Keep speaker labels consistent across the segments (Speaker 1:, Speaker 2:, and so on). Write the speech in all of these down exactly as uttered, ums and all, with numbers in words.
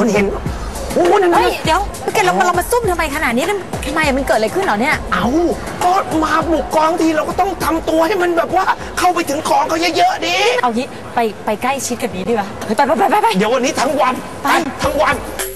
Speaker 1: คนเห็นโอ้โหนั่น
Speaker 2: เฮ้ยเดี๋ยวแกเราเรามาซุ่มทำไมขนาดนี้ทำไมมันเกิดอะไรขึ้นเหรอเนี่ย
Speaker 1: เอาก็มาบุกกองทีเราก็ต้องทำตัวให้มันแบบว่าเข้าไปถึงของเขาเยอะๆดิ
Speaker 2: เอางี้ไปไปใกล้ชิดกับนี้ดีกว่าไปไปไปไปไป
Speaker 1: เดี๋ยววันนี้ทั้งวันไปทั้งวัน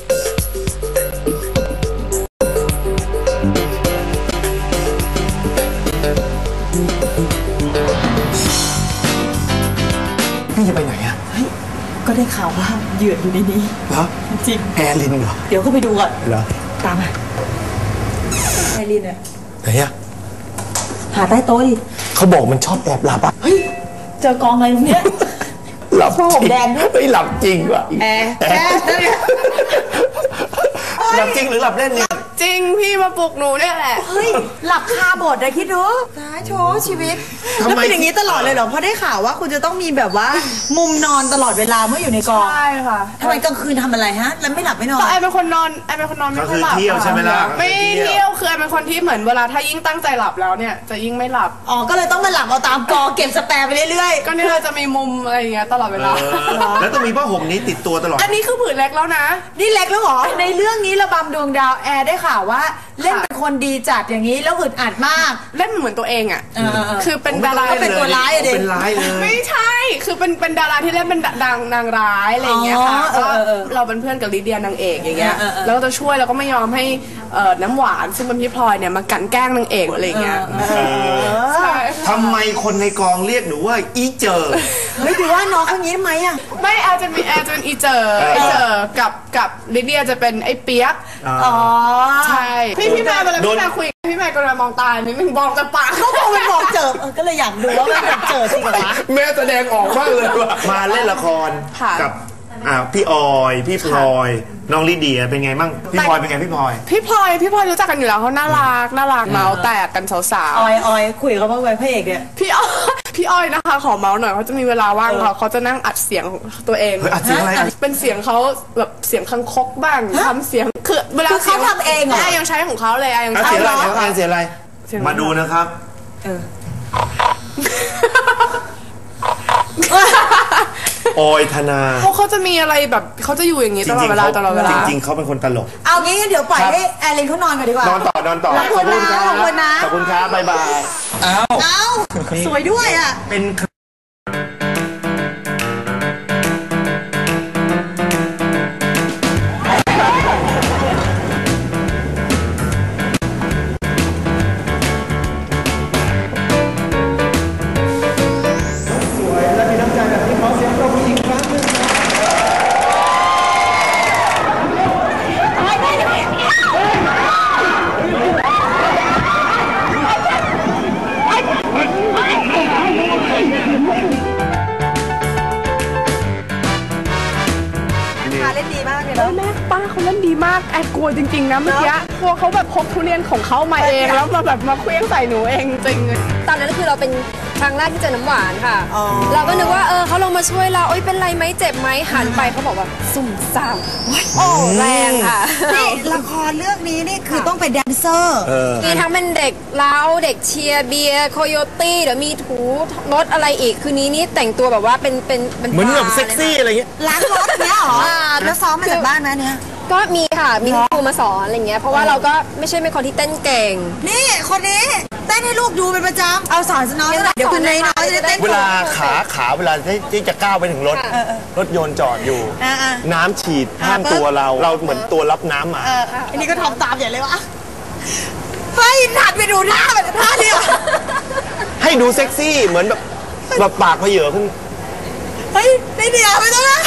Speaker 1: พี่จะไปไหนอะ
Speaker 2: ก็ได้ข่าวว่าเหยื่ออยู่ในนี้
Speaker 1: เหรอ
Speaker 2: จริง
Speaker 1: แอร์ลินเหรอ
Speaker 2: เดี๋ยวก็ไปดูก่อน
Speaker 1: เหรอ
Speaker 2: ตามมาแอร์ลินอะ
Speaker 1: ไหนอะ
Speaker 2: หาใต้โต๊ะดิ
Speaker 1: เขาบอกมันชอบแอบหลับอะ
Speaker 2: เฮ้ยเจอกองอะไรตรงเนี้ย
Speaker 1: หลับ
Speaker 2: จริงแดงด้วย
Speaker 1: เฮ้ยหลับจริงว่ะ
Speaker 2: แอร์แอร์
Speaker 1: หลับจริงหรือหลับเล่นเนี่ย
Speaker 3: จริงพี่มาปลุกหนูเนี่ยแหละ
Speaker 2: เฮ้ยหลับคาบทเลยคิดดูตายโชว์ชีวิตแล้วเป็นอย่างนี้ตลอดเลยเหรอเพราะได้ข่าวว่าคุณจะต้องมีแบบว่ามุมนอนตลอดเวลาเมื่ออยู่ในกอง
Speaker 3: ใช่ค่ะ
Speaker 2: ทำไมกลางคืนทำอะไรฮะแล้วไม่หลับไม่นอน
Speaker 3: ไอเป็นคนนอนไอเป็นคนนอนไม่ค่อยหลับ
Speaker 1: เที่ยวใช่ไหมล่ะ
Speaker 3: ไม่เที่ยวคือไอเป็นคนที่เหมือนเวลาถ้ายิ่งตั้งใจหลับแล้วเนี่ยจะยิ่งไม่หลับ
Speaker 2: อ๋อก็เลยต้องมาหลับเอาตามกองเก็บสแปร์ไปเรื่อย
Speaker 3: ๆก็นี่เราจะมีมุมอะไรอย่างเงี้ยตลอดเวลา
Speaker 1: แล้วต้องมีผ้าห่มนี้ติดตัวตลอด
Speaker 3: อันนี้คือผืนเล็กแล้วนะ
Speaker 2: นี่เล็กแล้วเหรอในเรื่องนี้ระบำดวงดาวแอร์ได้ข่าวว่าเล่นเป็นคนดีจัดอย่างนี้แล้วอึดอัดมาก
Speaker 3: เล่นเหมือนตัวเองอ่ะคือเป็นดารา
Speaker 2: เป็นตัวร้ายอะเด็ก
Speaker 1: เป็นร้ายเลย
Speaker 3: ไม่ใช่คือเป็นเป็นดาราที่เล่นเป็นดังนางร้ายอะไรอย่างเงี้ยค่ะก็เราเป็นเพื่อนกับลิเดียนางเอกอย่างเงี้ยแล้วก็จะช่วยแล้วก็ไม่ยอมให้น้ำหวานซึ่งเป็นพี่พลอยเนี่ยมากันแกล้งนางเอกอะไรอย่างเงี้ย
Speaker 1: ใช่ทำไมคนในกองเรียกหนูว่าอีเจอ
Speaker 2: ไม่ถือว่าน้องคนนี้ทำไมอ่ะ
Speaker 3: ไม่แอร์จะมีแอร์จะเป็นอีเจออีเจอกับกับลิเดียจะเป็นไอ้เปียก
Speaker 2: อ๋อ
Speaker 3: ใช่พี่พี่แม่เวลาพี่แม่คุยพี่แม่ก็เลยมองตาหนึ่งมองแต่ปาก
Speaker 2: เขาบอกมันบอกเจอก็เลยอยากดูว่ามันเจอจริงเหรอ
Speaker 1: แม่แสดงออกมากเลยว่ามาเล่นละครกับพี่ออยพี่พลอยน้องลิเดียเป็นไงมั่งพี่พลอยเป็นไงพี่พลอย
Speaker 3: พี่พลอยพี่พลอยรู้จักกันอยู่แล้วเขาน่ารักน่ารักเมาแตกกันสาว
Speaker 2: ๆออยออยคุยเขาบ้างไหมพระเอกเนี่ย
Speaker 3: พี่อ้อยพี่อ้อยนะคะขอเมาหน่อยเขาจะมีเวลาว่างเขาเขาจะนั่งอัดเสียงตัวเอง
Speaker 1: อัดเสียงอะไร
Speaker 3: เป็นเสียงเขาแบบเสียงคังคกบ้างทำเสียงคือเวลา
Speaker 2: เขาทำเองเหรอ
Speaker 3: ยังใช้ของเขาเลยยัง
Speaker 1: ใช้เสียงอะไรเสียงอะไรมาดูนะครับออยธนา
Speaker 3: เพราะเขาจะมีอะไรแบบเขาจะอยู่อย่างนี้ตลอดเวลาตลอดเวลา
Speaker 1: จริงๆเขาเป็นคนตลก
Speaker 2: เอางี้เดี๋ยวปล่อยให้แอลินเขานอนก่อนดีกว่าน
Speaker 1: อนต่อนอนต่อ
Speaker 2: ขอบคุณนะขอบคุณนะ
Speaker 1: ขอบคุณครับบ๊ายบาย
Speaker 2: อ้าวอ้าวสวยด้วยอ่ะ
Speaker 1: เป็น
Speaker 3: แอบกลัวจริงๆนะเมื่อกี้กลัวเขาแบบพกทุเรียนของเขามาเองแล้วมาแบบมาเคลี้ยงใส่หนูเองจริง
Speaker 4: ตอนนั้นคือเราเป็นครั้งแรกที่เจอน้ำหวานค่ะเราก็นึกว่าเออเขาลงมาช่วยเราเอ้ยเป็นไรไหมเจ็บไหมหันไปเขาบอกว่าซุ่มซ่ามโอ้แรงค่ะ
Speaker 2: นี่ละครเรื่องนี้นี่คือต้องเป็นแดนเซอร์
Speaker 4: มีทั้งเป็นเด็กเล้าเด็กเชียร์เบียร์โคโยตี้เดี๋ยวมีถูรถอะไรอีกคืนนี้นี่แต่งตัวแบบว่าเป็นเป็น
Speaker 1: เหมือนแบบเซ็กซี่อะไรเงี้ย
Speaker 2: ล้างรถเนี้ยหรอแล้วซ้อมมาจากบ้านนะเนี้ย
Speaker 4: ก็มีค่ะมีครูมาสอนอะไรเงี้ยเพราะว่าเราก็ไม่ใช่เป็นคนที่เต้นเก่ง
Speaker 2: นี่คนนี้เต้นให้ลูกดูเป็นประจำเอาสอนน้องเดี๋ยวคุณนายน้อยจะเต้น
Speaker 1: เวลาขาขาเวลาที่จะก้าวไปถึงรถรถยนต์จอดอยู่น้ำฉีดห้ามตัวเราเราเหมือนตัวรับน้ำมา
Speaker 2: อันนี้ก็ทำตามอย่างเลยวะเฮ้ยหัดไปดูหน้าแบบท่าเดียว
Speaker 1: ให้ดูเซ็กซี่เหมือนแบบแบบปากเพเยอขึ้น
Speaker 2: เฮ้ยได้เดียวไม่ต้องนะ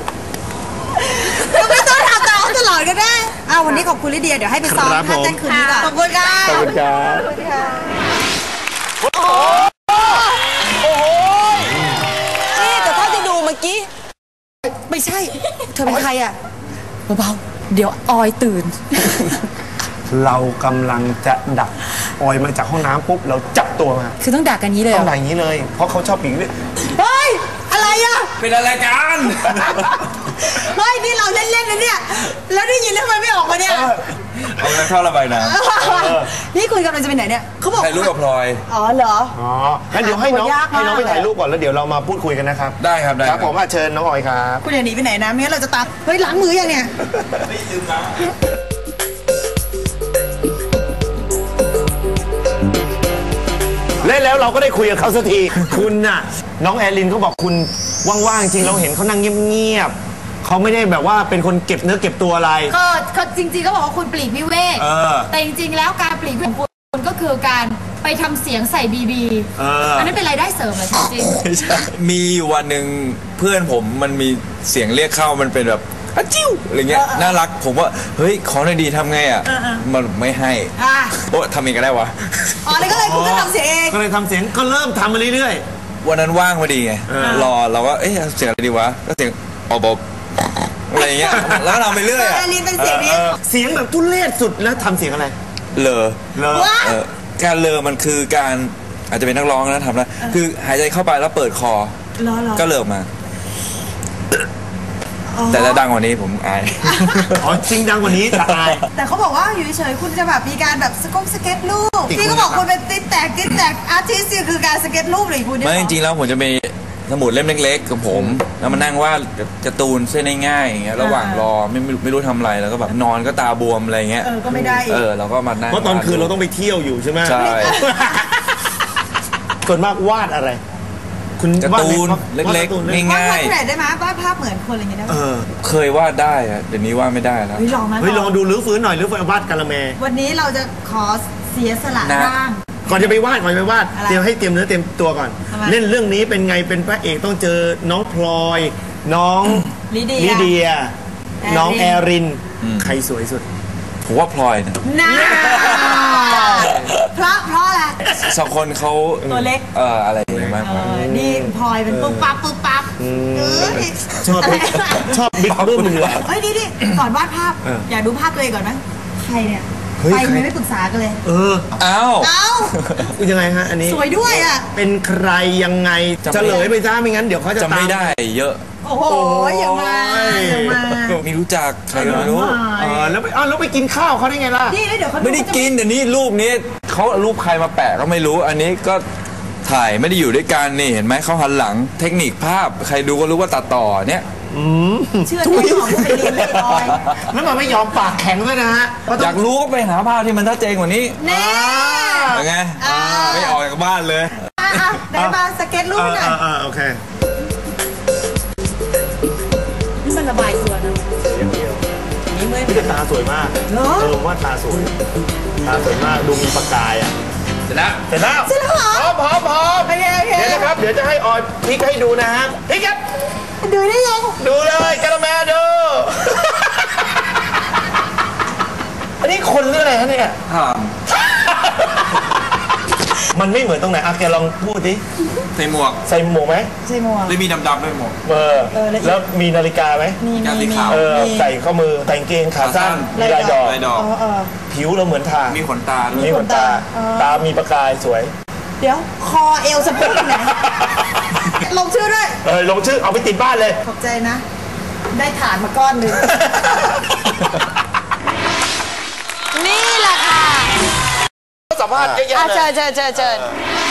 Speaker 2: ไม่ต้องทำตามตลอดก็ได้อ้าววันนี้ขอบคุณลิเดียเดี๋ยวให้ไปซ้อมท่าเต้นคืนนี้ก่อนขอบคุณค่ะ
Speaker 1: ขอบคุณครับโอ้โหโอ้โห
Speaker 2: นี่แต่ถ้าจะดูเมื่อกี้ไม่ใช่เธอเป็นใครอ่ะเบาๆเดี๋ยวออยตื่น
Speaker 1: เรากำลังจะดักออยมาจากห้องน้ำปุ๊บเราจับตัวมา
Speaker 2: คือต้องดักกันนี้เลย
Speaker 1: ต้องดักอย่างนี้เลยเพราะเขาชอบปีกด้วย
Speaker 2: เฮ้ยอะไรอ่ะ
Speaker 1: เป็นอะไรกัน
Speaker 2: เฮ้ยนี่เราเล่นๆนะเนี่ยแล้วได้ยินแล้วทำไมไม่ออกมาเนี่ย
Speaker 5: เอาเงินเข้าระบายน้
Speaker 2: ำนี่คุยกำลังจะไปไหนเนี่ยเขาบอก
Speaker 5: ถ่ายรูปกับพลอย
Speaker 2: อ๋อเหรอ
Speaker 1: อ๋องั้นเดี๋ยวให้น้องให้น้องไปถ่ายรูปก่อนแล้วเดี๋ยวเรามาพูดคุยกันนะครับ
Speaker 5: ได้ครับได้
Speaker 1: ครับผมเชิญน้องออยครับ
Speaker 2: คุณอย่าหนีไปไหนนะไม่งั้นเราจะตามเฮ้ยล้างมือยังเนี่ย
Speaker 5: ไม่ลืมล้าง
Speaker 1: เล่นแล้วเราก็ได้คุยกับเขาสักทีคุณน่ะน้องแอลินเขาบอกคุณว่างๆจริงเราเห็นเขานั่งเงียบๆเขาไม่ได้แบบว่าเป็นคนเก็บเนื้อเก็บตัวอะไร
Speaker 6: ก็เขาจริงๆก็บอกว่าคุณปลีกวิเวกแต่จริงๆแล้วการปลีกวิเวกของคุณก็คือการไปทำเสียงใส่บีบีอันนั้นเป็นรายได้เสริมเหรอจริง
Speaker 5: ๆมีวันหนึ่งเพื่อนผมมันมีเสียงเรียกเข้ามันเป็นแบบอะจิ้วอะไรเงี้ยน่ารักผมว่าเฮ้ยขอหน่อยดีทำไงอ่ะมันไม่ให้โอ้ทำเองก็ได้วะ
Speaker 2: อ๋อเลยก็เลยคุณก็ทำเสียงเอง
Speaker 1: ก็เลยทำเสียงก็เริ่มทำมาเรื่อย
Speaker 5: ๆวันนั้นว่างพอดีไงรอเราก็เอ๊ะเสียงอะไรดีวะก็เสียงอบอบอะไรเงี้ยแล้วเราไปเรื่อยอ่ะ
Speaker 2: เป็นเสียงนี้
Speaker 1: เสียงแบบทุเรศสุดแล้วทำเสียงอะไร
Speaker 5: เลอ
Speaker 1: เลอ
Speaker 5: การเลอมันคือการอาจจะเป็นนักร้องนะทำแล้วคือหายใจเข้าไปแล้วเปิดคอก็เลอมาแต่ถ้าดังกว่านี้ผมอาย
Speaker 1: อ๋อจริงดังกว่านี้จะอาย
Speaker 2: แต่เขาบอกว่าอยู่เฉยๆคุณจะแบบมีการแบบสกงสเก็ตรูปที่เขาบอกคุณเป็นติ๊กแตกติ๊กแตกอาร์ติสต์คือการสเก็ตรูปเลยคุณ
Speaker 5: ไม่จริงๆแล้วผมจะมีสมุดเล่มเล็กๆกับผมแล้วมานั่งวาดการ์ตูนเส้นง่ายๆอย่างเงี้ยระหว่างรอไม่ไม่รู้ทำอะไรแล้วก็แบบนอนก็ตาบวมอะไรเงี้ย
Speaker 2: เออก็ไม่ได้
Speaker 5: เออเราก็มานั่ง
Speaker 1: เพราะตอนคืนเราต้องไปเที่ยวอยู่ใช่ไหม
Speaker 5: ใช่
Speaker 1: ส่วนมากวาดอะไรคุณ
Speaker 5: การ์ตูนเล็กๆง่าย
Speaker 2: ๆวาดได้ไหมวาดภาพเหมือนคนอะไรอย่างเงี้ยได้
Speaker 5: เคยวาดได้อะเดี๋ยวนี้วาดไม่ได้แล้ว
Speaker 2: เฮ้ยลองไหม
Speaker 1: เฮ้ยลองดูรื้อฟื้นหน่อยรื้อฟื้นวาดกะละแม
Speaker 2: วันนี้เราจะขอเสียสละร่าง
Speaker 1: ก่อนจะไปวาดก่อนจะไปวาดเตรียมให้เตรียมเนื้อเตรียมตัวก่อนเล่นเรื่องนี้เป็นไงเป็นพระเอกต้องเจอน้องพลอยน้อง
Speaker 2: ลิเ
Speaker 1: ดียน้องแอรินใครสวยสุด
Speaker 5: ผมว่าพลอยนะ
Speaker 2: น่าเพราะเพราะอะไร
Speaker 5: สองคนเขา
Speaker 2: ตัวเล็ก
Speaker 5: เอออะไรอย่างเงี้ยมาก
Speaker 2: นี่พลอยเป็นปุ๊บปั๊บปุ๊บปั๊บ
Speaker 1: ชอบชอบบิ๊กบึ้มเลย
Speaker 2: เฮ้ยดิก่อนวาดภาพอยากดูภาพตัวเองก่อนไหมใครเนี่ยไปไม่ไม่ปรึกษากันเลย
Speaker 1: เออ
Speaker 5: เอ้า
Speaker 2: เอ้า
Speaker 1: ยังไงฮะอันนี้
Speaker 2: สวยด้วยอ่ะ
Speaker 1: เป็นใครยังไงเฉลยไปซะไม่งั้นเดี๋ยวเขาจะ
Speaker 5: จำไม่ได้เยอะ
Speaker 2: โอ้โหอย่างมาอย่างมา
Speaker 5: ไม่รู้จักใครไม่รู้
Speaker 1: เออแล้วไปอ้าวแล้วไปกินข้าวเขาได้ไงล่ะ
Speaker 2: นี่เดี๋ยวเขา
Speaker 5: ไม่ได้กินเดี๋ยวนี้รูปนี้เขารูปใครมาแปะก็ไม่รู้อันนี้ก็ถ่ายไม่ได้อยู่ด้วยกันนี่เห็นไหมเขาหันหลังเทคนิคภาพใครดูก็รู้ว่าตัดต่อเนี่ย
Speaker 2: เชื่อที่ของผู้ไปเรียนไม่ลอย
Speaker 1: แล้วมันไม่ยอมปากแข็งด้วยนะฮะ
Speaker 5: อยากรู้ก็ไปหาภาพที่มันชัดเจนกว่านี้
Speaker 2: แน่
Speaker 5: ยังไงไม่ออกจากบ้านเลย
Speaker 2: ได้มาสเก็ตรูปหน่อย
Speaker 1: โอเค
Speaker 2: นี่มันระบายตัวนะ
Speaker 1: นี่ไม่ตาสวยมากเออว่าตาสวยตาสวยมากดูมีประกายอ่ะเสร็จแล้วเสร็จแล้ว
Speaker 2: เสร็จแล้วเหรอ
Speaker 1: พร้อมพร้อมพร้อมเดี๋ยวนะครับเดี๋ยวจะให้ออยพลิกให้ดูนะฮะพลิกครับ
Speaker 2: ดูได้ยัง
Speaker 1: ดูเลยกะละแมดูอันนี้คนหรืออะไรฮะเนี่ยมันไม่เหมือนตรงไหนอ่ะแกลองพูดดิ
Speaker 5: ใส่หมวก
Speaker 1: ใส่หมวกไหม
Speaker 2: ใส่หมวก
Speaker 5: แล้วมีดำๆด้วยหมวก
Speaker 1: เออแล้วมีนาฬิกาไหม
Speaker 2: มี
Speaker 5: มีขาว
Speaker 1: เออใส่ข้อมือแต่งเกงขาสั้นมีลายดอกผิวเราเหมือนทา
Speaker 5: มีขนตา
Speaker 1: มีขนตาตามีประกายสวย
Speaker 2: เดี๋ยวคอเอวสะโพกไหนลงชื่อด้วย
Speaker 1: เออลงชื่อเอาไปติดบ้านเลย
Speaker 2: ขอบใจนะได้ฐานมาก้อนหนึ่งนี่แหละค่ะ
Speaker 1: สัมภาษณ์เยอะๆเลย
Speaker 2: เชิญเชิญเชิญเชิญ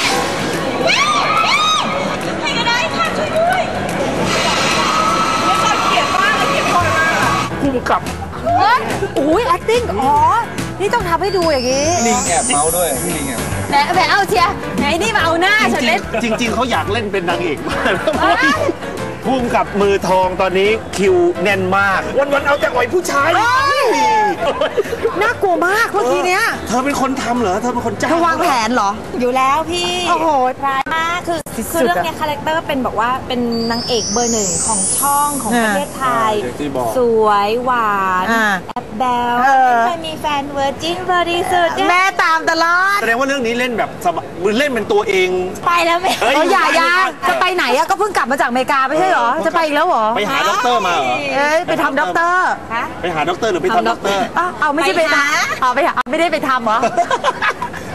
Speaker 2: ให้ก็ได้ค่ะช่วยด้วยไม่ชอบเกลียดมากเลยเกลียดคนมาก
Speaker 1: พุ่งกลับ
Speaker 2: เฮ้ยอุ้ย acting อ๋อนี่ต้องทำให้ดูอย่างนี้
Speaker 5: ลิงแอบเมาด้วยลิงแอบ
Speaker 2: แหมแหมเอาเชียร์ไหนนี่มาเอาหน้าฉันเล่น
Speaker 1: จริงๆเขาอยากเล่นเป็นนางเอกมากพุ่งกับมือทองตอนนี้คิวแน่นมากวันๆเอาแต่อ่อยผู้ชาย
Speaker 2: น่ากลัวมากเมื่อกี้เนี้ย
Speaker 1: เธอเป็นคนทำเหรอเธอเป็นคนจ้าง
Speaker 2: เธอวางแผนเหรอ
Speaker 6: อยู่แล้วพี่
Speaker 2: โอ้โห
Speaker 6: ร้ายมากคือคือเรื่องนี้คาแรคเตอร์เป็นบอกว่าเป็นนางเอกเบอร์หนึ่งของช่องของประเทศไทยสวยหวานแอบแบลเคยมีแฟนเวอร์จินบริสุทธิ์
Speaker 2: แม่ตามตลอด
Speaker 1: แสดงว่าเรื่องนี้เล่นแบบมือเล่นเป็นตัวเอง
Speaker 6: ไปแล้วแม่
Speaker 2: เอออย่าอย่าจะไปไหนอะก็เพิ่งกลับมาจากอเมริกาไม่ใช่เหรอจะไปอีกแล้วเหรอ
Speaker 1: ไปหาด็อกเตอร์มาเหรอ
Speaker 2: เอ้ยไปทำด็อกเตอร์
Speaker 1: ไปหาด็อกเตอร์หรือไปทำด็อกเตอร์
Speaker 2: เอาไม่ใช่ไปทำเอาไปหาไม่ได้ไปทำเหรอ
Speaker 6: ไปเยี่ยม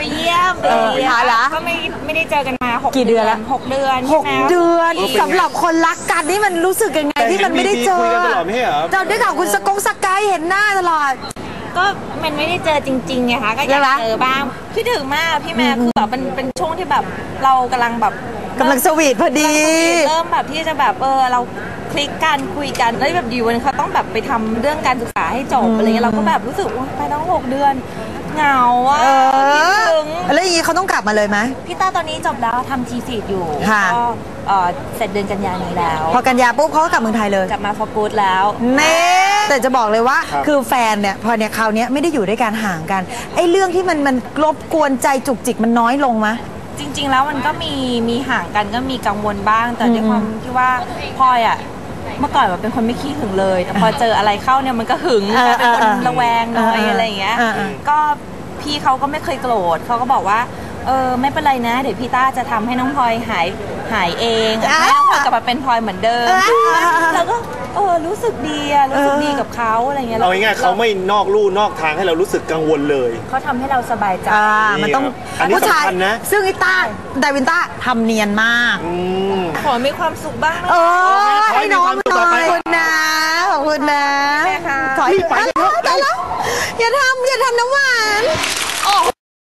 Speaker 6: เบบี
Speaker 2: หาละ
Speaker 6: ก็ไม่ไม่ได้เจอกันมาหก
Speaker 2: กี่เดือนละ
Speaker 6: หกเดือน
Speaker 2: หก
Speaker 6: ใช่ไหม
Speaker 2: เดือนสำหรับคนรักกันนี่มันรู้สึกยังไงที่มันไม่ได้เจอ
Speaker 1: คุยกันตลอดไม่ใช่เหรอ
Speaker 2: เจอได้ข่าวคุณสกงสกายเห็นหน้าตลอด
Speaker 6: ก็มันไม่ได้เจอจริงๆไงคะก็อยากเจอบ้างคิดถึงมากพี่แม่คือแบบมันเป็นช่วงที่แบบเรากำลังแบบ
Speaker 2: กำลังสวีทพอดี
Speaker 6: เริ่มแบบที่จะแบบเออเราคลิกกันคุยกันแล้วแบบอยู่วันนงเขาต้องแบบไปทำเรื่องการศึกษาให้จบอะไรเงี้ยเราก็แบบรู้สึกว่าไปตั้งหกเดือนเหงาอ่ะ
Speaker 2: เอ
Speaker 6: คิด
Speaker 2: อ
Speaker 6: ถึง
Speaker 2: แล้วอย่างนี้เขาต้องกลับมาเลยไหม
Speaker 6: พี่ต้าตอนนี้จบแล้วทำทีสิทธิ์อยู่
Speaker 2: ค่ะ
Speaker 6: ก็เอ่อเสร็จเดือนกันยายนนี้แล้ว
Speaker 2: พอกันยาปุ๊บเขาก็กลับเมืองไทยเลย
Speaker 6: กลับมาฟอร์กูดแล้ว
Speaker 2: เน่แต่จะบอกเลยว่าคือแฟนเนี่ยพอเนี่ยคราวเนี้ยไม่ได้อยู่ด้วยกันห่างกันไอ้เรื่องที่มันมันรบกวนใจจุกจิกมันน้อยลงมะ
Speaker 6: จริง ๆ แล้วมันก็มีมีห่างกันก็มีกังวลบ้าง แต่ด้วยความที่ว่าพลอยอ่ะเมื่อก่อนแบบเป็นคนไม่ขี้หึงเลย แต่พอเจออะไรเข้าเนี่ยมันก็หึง
Speaker 2: เออ
Speaker 6: เป็นคน
Speaker 2: เออ
Speaker 6: ระแวงหน่อย
Speaker 2: เออเออ
Speaker 6: อะไรอย่างเงี้ย
Speaker 2: เออเออ
Speaker 6: ก็พี่เขาก็ไม่เคยโกรธเขาก็บอกว่าเออไม่เป็นไรนะ เดี๋ยวพี่ต้าจะทำให้น้องพลอยหายหายเองให้น้องพลอยกลับมาเป็นพลอยเหมือนเดิมแล้วก็เออรู้สึกดีอะรู้สึกดีกับเขาอะไรเงี้ย
Speaker 1: เอาง่ายๆเขาไม่นอกลู่นอกทางให้เรารู้สึกกังวลเลย
Speaker 6: เขาทำให้เราสบายใจ
Speaker 2: อ่ามันต้อง
Speaker 1: อันนี้
Speaker 2: ผู้ชาย
Speaker 1: สำคัญนะ
Speaker 2: ซึ่งไอ้ต้าดาวินต้าทำเนียนมาก
Speaker 1: อืม
Speaker 6: ขอมีความสุขบ้างนะ
Speaker 2: เออ
Speaker 1: ขอให้
Speaker 2: ให้น้อง
Speaker 1: มี
Speaker 2: ห
Speaker 1: ความสุขต่
Speaker 2: น่
Speaker 1: อ
Speaker 2: อ
Speaker 1: ไป
Speaker 2: ยขอบคุณนะขอบคุณนะ
Speaker 6: แม่ค่ะ
Speaker 2: ขอให้
Speaker 1: ไป
Speaker 2: ตายแล้วตายแล้วอย่าทำอย่าทำน้ำหวาน